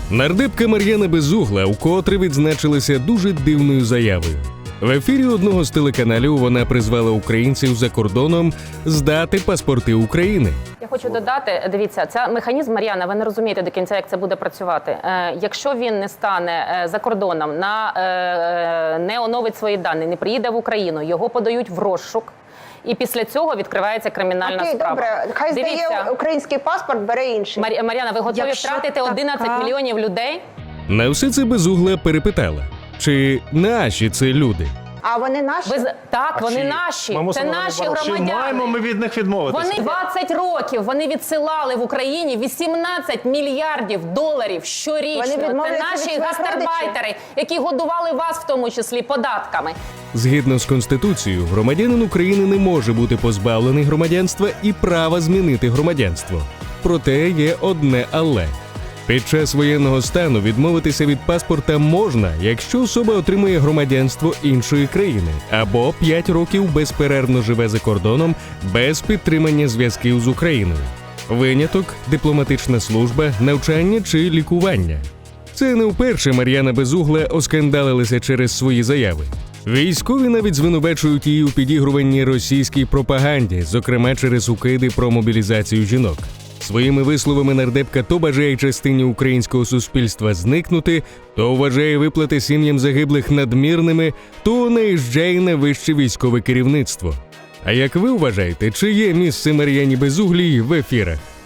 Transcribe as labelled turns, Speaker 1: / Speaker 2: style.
Speaker 1: Нардепка Мар'яна Безугла вкотре відзначилася дуже дивною заявою. В ефірі одного з телеканалів вона призвала українців за кордоном здати паспорти України.
Speaker 2: Я хочу додати, дивіться, це механізм, Мар'яна, ви не розумієте до кінця, як це буде працювати. Якщо він не стане за кордоном, не оновить свої дані, не приїде в Україну, його подають в розшук. І після цього відкривається кримінальна справа.
Speaker 3: Добре, хай здає український паспорт, бере інший.
Speaker 2: Мар'яна, ви готові втратити 11 мільйонів людей?
Speaker 1: На все це Безугла перепитала, чи наші це люди.
Speaker 3: А вони наші?
Speaker 2: Так, вони наші. Це наші громадяни.
Speaker 4: Чи маємо ми від них відмовитися?
Speaker 2: Вони 20 років, вони відсилали в Україні 18 мільярдів доларів щорічно. Це наші гастарбайтери, які годували вас в тому числі податками.
Speaker 1: Згідно з Конституцією, громадянин України не може бути позбавлений громадянства і права змінити громадянство. Проте є одне «але». Під час воєнного стану відмовитися від паспорта можна, якщо особа отримує громадянство іншої країни або 5 років безперервно живе за кордоном без підтримання зв'язків з Україною. Виняток – дипломатична служба, навчання чи лікування. Це не вперше Мар'яна Безугла оскандалилася через свої заяви. Військові навіть звинувачують її у підігруванні російській пропаганді, зокрема через укиди про мобілізацію жінок. Своїми висловами нардепка то бажає частині українського суспільства зникнути, то вважає виплати сім'ям загиблих надмірними, то наїжджає на вище військове керівництво. А як ви вважаєте, чи є місце Мар'яні Безуглій в ефірах?